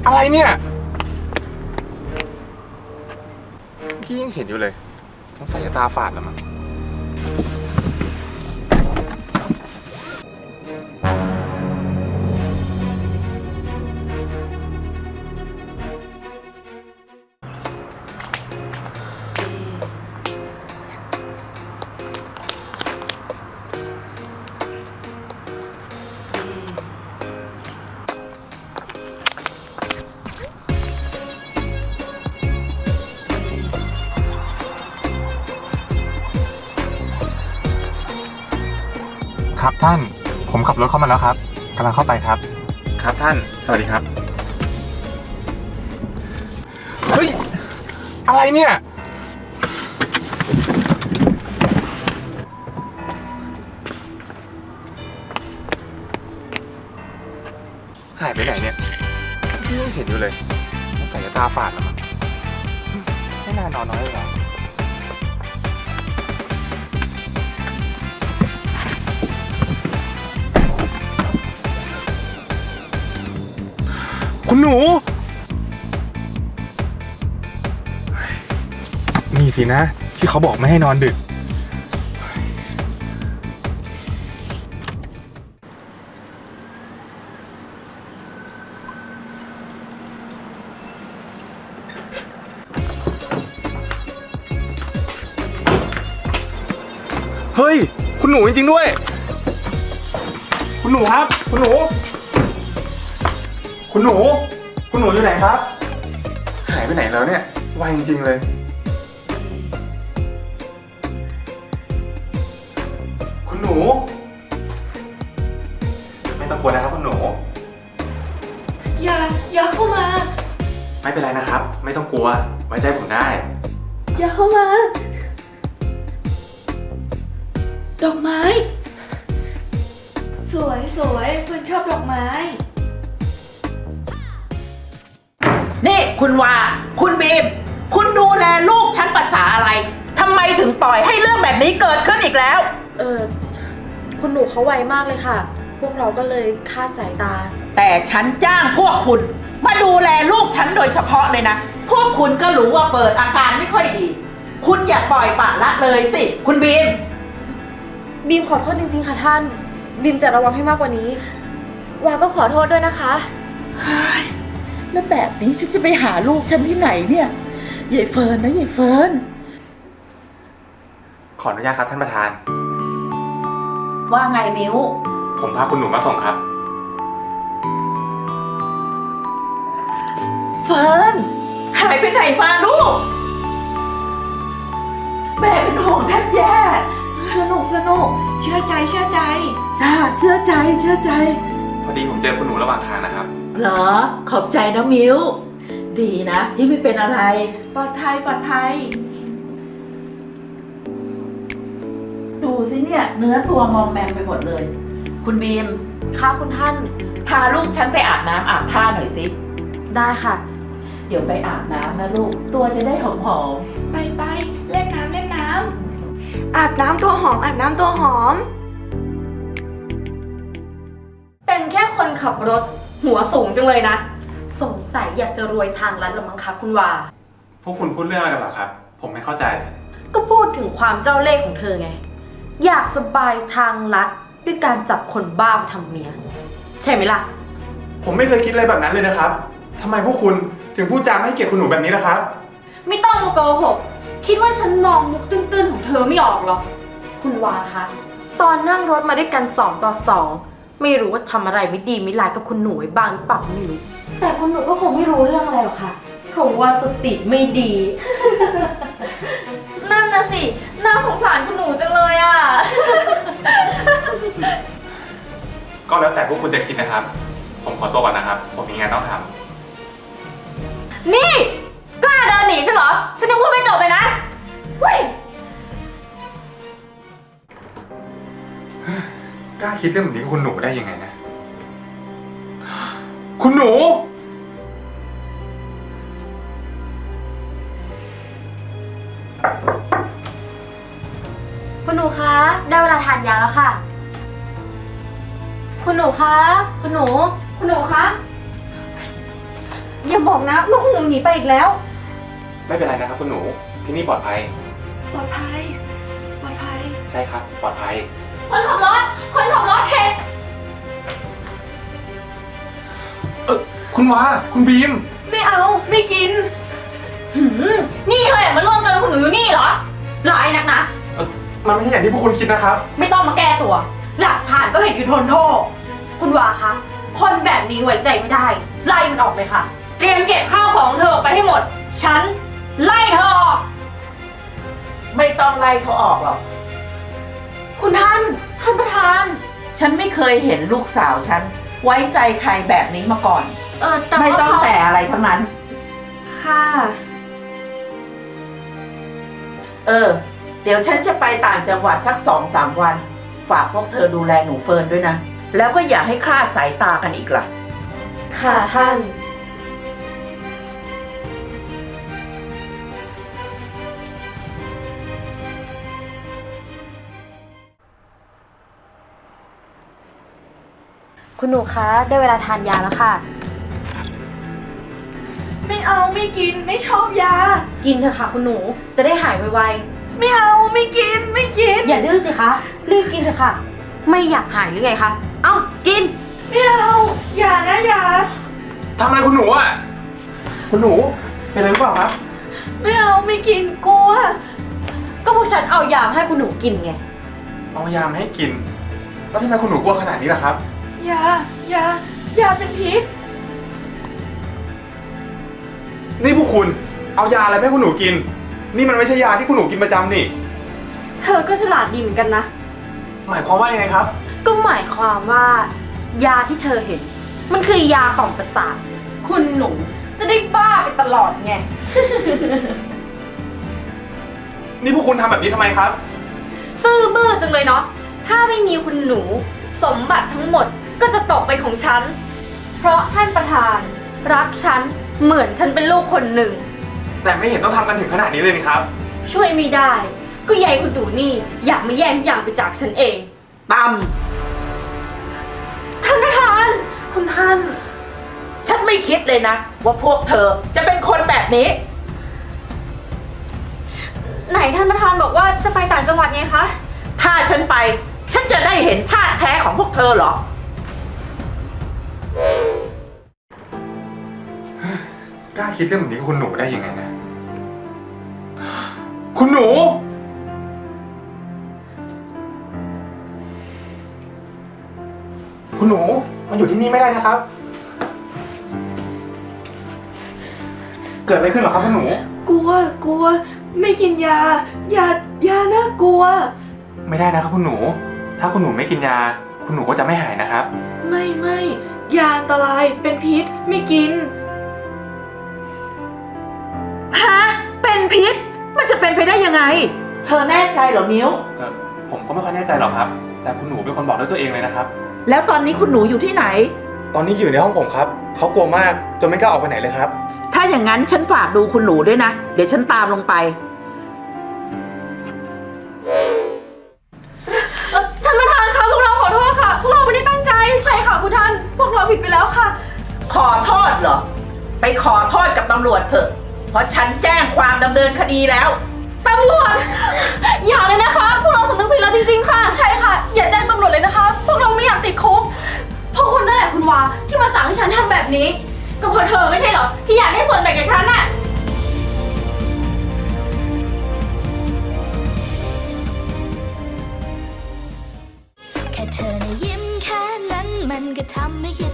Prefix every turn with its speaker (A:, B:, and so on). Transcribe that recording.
A: อะไรเนี่ยพี่ยังเห็นอยู่เลยต้องใส่ตาฝาดแล้วมั้งครับท่านผมขับรถเข้ามาแล้วครับกำลังเข้าไปครับครับท่านสวัสดีครับเฮ้ยอะไรเนี่ยหายไปไหนเนี่ยพี่ยังเห็นอยู่เลยต้องใส่ตาฝาดแล้วมั้งไม่น่านอนน้อยเลยเหรอคุณหนูนี่สินะที่เขาบอกไม่ให้นอนดึกเฮ้ยคุณหนูจริงๆด้วยคุณหนูครับคุณหนูอยู่ไหนครับหายไปไหนแล้วเนี่ยไวจริงๆเลยคุณหนูไม่ต้องกลัวนะครับคุณหนู
B: อย่าเข้ามา
A: ไม่เป็นไรนะครับไม่ต้องกลัวไว้ใจผมได้
B: อย่าเข้ามาดอกไม้สวยคุณชอบดอกไม้
C: นี่คุณวาคุณบีมคุณดูแลลูกฉันภาษาอะไรทำไมถึงปล่อยให้เรื่องแบบนี้เกิดขึ้นอีกแล้ว
D: คุณหนูเขาไวมากเลยค่ะพวกเราก็เลยคลาดสายตา
C: แต่ฉันจ้างพวกคุณมาดูแลลูกฉันโดยเฉพาะเลยนะพวกคุณก็รู้ว่าเปิดอาการไม่ค่อยดีคุณอย่าปล่อยปละละเลยสิคุณบีม
D: ขอโทษจริงๆค่ะท่านบีมจะระวังให้มากกว่านี้วาก็ขอโทษด้วยนะคะ
C: แล้วแบบนี้ฉันจะไปหาลูกฉันที่ไหนเนี่ยยายเฟิร์นนะยายเฟิร์น
A: ขออนุญาตครับท่านประธาน
C: ว่าไงมิ้ว
A: ผมพาคุณหนูมาส่งครับ
C: เฟิร์นหายไปไหนมาลูกแม่เป็นห่วงแทบแย่
B: สนุกเชื่อใจ
C: จ้าเชื่อใจ
A: พอดีผมเจอคุณหนูระหว่างทางนะครับ
C: เหรอขอบใจนะมิ้วดีนะที่ไม่เป็นอะไร
B: ปลอดภัย
C: ดูสิเนี่ยเนื้อตัวมอมแมมไปหมดเลยคุณบีม
D: ค่ะคุณท่าน
C: พาลูกฉันไปอาบน้ำอาบท่าหน่อยสิ
D: ได้ค่ะ
C: เดี๋ยวไปอาบน้ำนะลูกตัวจะได้หอม
B: ไปเล่นน้ำอาบน้ำตัวหอม
D: เป็นแค่คนขับรถหัวสูงจังเลยนะสงสัยอยากจะรวยทางลัดละมั้งคะคุณวา
A: พวกคุณพูดเรื่องอะไรกันเหรอครับผมไม่เข้าใจ
D: ก็พูดถึงความเจ้าเล่ห์ของเธอไงอยากสบายทางลัดด้วยการจับคนบ้ามาทำเมียใช่ไหมล่ะ
A: ผมไม่เคยคิดอะไรแบบนั้นเลยนะครับทำไมพวกคุณถึงพูดจาไม่ให้เกียรติคุณหนูแบบนี้ล่ะครับ
D: ไม่ต้องมาโกหกคิดว่าฉันมองมุกตื้นๆของเธอไม่ออกหรอคุณวาคะตอนนั่งรถมาด้วยกัน2 ต่อ 2ไม่รู้ว่าทำอะไรไม่ดีไม่ร้ายกับคุณหนูไว้บ้างหรือเปล่าไม่รู้แต่คุณหนูก็คงไม่รู้เรื่องอะไรหรอกค่ะเพราะว่าสติไม่ดี นั่นน่ะสิน่าสงสารคุณหนูจังเลยอ่ะ
A: ก็แล้วแต่พวกคุณจะคิดนะครับผมขอตัวก่อนนะครับผมมีงานต้องทำ
D: นี่กล้าเดินหนีฉันเหรอฉันยังพูดไม่จบเลยนะเฮ้ย
A: กล้าคิดเรื่องแบบนี้กับคุณหนูได้ยังไงนะคุณหนู
D: คุณหนูคะได้เวลาทานยาแล้วค่ะคุณหนูคะคุณหนูคะอย่าบอกนะว่าคุณหนูหนีไปอีกแล้ว
A: ไม่เป็นไรนะครับคุณหนู ที่นี่ปลอดภัย
B: ปลอดภัย ปลอดภัย
A: ใช่ครับ ปลอดภัย
D: คนขับรถเห็น
A: คุณวาคุณบีม
B: ไม่เอา ไม่กิน
D: นี่เธอแอบมาร่วมกันกับคุณหนูอยู่นี่เหรอร้ายนักนะ
A: มันไม่ใช่อย่างที่พวกคุณคิดนะครับ
D: ไม่ต้องมาแก้ตัว หลักฐานก็เห็นอยู่ทนโทษ คุณวาคะ คนแบบนี้ไว้ใจไม่ได้ ไล่มันออกเลยค่ะ
E: เตรียมเก็บข้าวของเธอออกไปให้หมด ฉันไล่เธอออก
C: ไม่ต้องไล่เขาออกหรอก
D: คุณท่านประธาน
C: ฉันไม่เคยเห็นลูกสาวฉัน ไว้ใจใครแบบนี้มาก่อน
D: แต่
C: ไม่
D: ว่า
C: ต้องแต่อะไรทั้งนั้น
D: ค่ะ
C: เดี๋ยวฉันจะไปต่างจังหวัดสัก2-3 วัน ฝากพวกเธอดูแลหนูเฟิร์นด้วยนะ แล้วก็อย่าให้คลาดสายตากันอีกล่ะ
D: ค่ะท่าน คุณหนูคะ ได้เวลาทานยาแล้วค่ะ
B: ไม่เอา ไม่กิน ไม่ชอบยา
D: กินเถอะค่ะคุณหนู จะได้หายไว
B: ไม่เอา ไม่กิน ไม่กิน
D: ๆ อย่าดื้อสิคะ รีบกินเถอะค่ะ ไม่อยากหายหรือไงคะ เอ้า กิน
B: ไม่เอา อย่านะอย่า
A: ทำอะไรคุณหนูอ่ะ คุณหนู เป็นอะไรหรือเปล่าครับ
B: ไม่เอา ไม่กิน กลัว
D: ก็พวกฉันเอายามาให้คุณหนูกินไง
A: เอายามาให้กิน แล้วทำไมคุณหนูกลัวขนาดนี้ล่ะครับ
B: ยาเป็นพิษ
A: นี่พวกคุณ เอายาอะไรไปให้คุณหนูกิน นี่มันไม่ใช่ยาที่คุณหนูกินประจำนี่
E: เธอก็ฉลาดดีเหมือนกันนะ
A: หมายความว่ายังไงครับ
D: ก็หมายความว่า ยาที่เธอเห็น มันคือยาต่อมประสาท คุณหนูจะได้บ้าไปตลอดไง
A: นี่พวกคุณทำแบบนี้ทำไมครับ
E: ซื่อบื้อจังเลยเนาะ ถ้าไม่มีคุณหนู สมบัติทั้งหมดก็จะตกเป็นของฉัน เพราะท่านประธานรักฉันเหมือนฉันเป็นลูกคนหนึ่ง
A: แต่ไม่เห็นต้องทำกันถึงขนาดนี้เลยนี่ครับ
E: ช่วยไม่ได้ ก็ยายคุณดูนี่อยากมาแย่งทุกอย่างไปจากฉันเอง
C: ตั้ม
E: ท่านประธาน
D: คุณท่าน
C: ฉันไม่คิดเลยนะ ว่าพวกเธอจะเป็นคนแบบนี้
E: ไหนท่านประธานบอกว่าจะไปต่างจังหวัดไงคะ
C: ถ้าฉันไป ฉันจะได้เห็นท่าแท้ของพวกเธอเหรอ
A: กล้าคิดเรื่องแบบนี้กับคุณหนูได้ยังไงนะ คุณหนู คุณหนูมาอยู่ที่นี่ไม่ได้นะครับ เกิดอะไรขึ้นเหรอครับคุณหนู
B: กลัว ไม่กินยาน่ากลัว
A: ไม่ได้นะครับคุณหนู ถ้าคุณหนูไม่กินยา คุณหนูก็จะไม่หายนะครับ
B: ไม่ยาอันตรายเป็นพิษ ไม่กิน
C: ฮะ เป็นพิษ มันจะเป็นไปได้ยังไง เธอแน่ใจเหรอมิ้ว
A: ผมก็ไม่ค่อยแน่ใจหรอกครับ แต่คุณหนูเป็นคนบอกด้วยตัวเองเลยนะครับ
C: แล้วตอนนี้คุณหนูอยู่ที่ไหน
A: ตอนนี้อยู่ในห้องผมครับ เขากลัวมากจนไม่กล้าออกไปไหนเลยครับ
C: ถ้าอย่างนั้นฉันฝากดูคุณหนูด้วยนะ เดี๋ยวฉันตามลงไป
E: ท่านประธานคะพวกเราขอโทษค่ะ พวกเราไม่ได้ตั้งใจ
B: ใช่ค่ะคุณท่าน พวกเราผิดไปแล้วค่ะ
C: ขอโทษเหรอ ไปขอโทษกับตำรวจเถอะ เพราะฉันแจ้งความดำเนินคดีแล้ว
E: ตำรวจ อย่าเลยนะคะ พวกเราสำนึกผิดแล้วจริงๆค่ะ
B: ใช่ค่ะ อย่าแจ้งตำรวจเลยนะคะ พวกเราไม่อยากติดคุก
D: เพราะคุณนั่นแหละคุณวาที่มาสั่งให้ฉันทำแบบนี้
E: ก็เพราะเธอไม่ใช่เหรอ ที่อยากได้ส่วนแบ่งจากฉันน่ะ
F: แค่เธอนะยิ้มแค่นั้นมันก็ทำให้คิด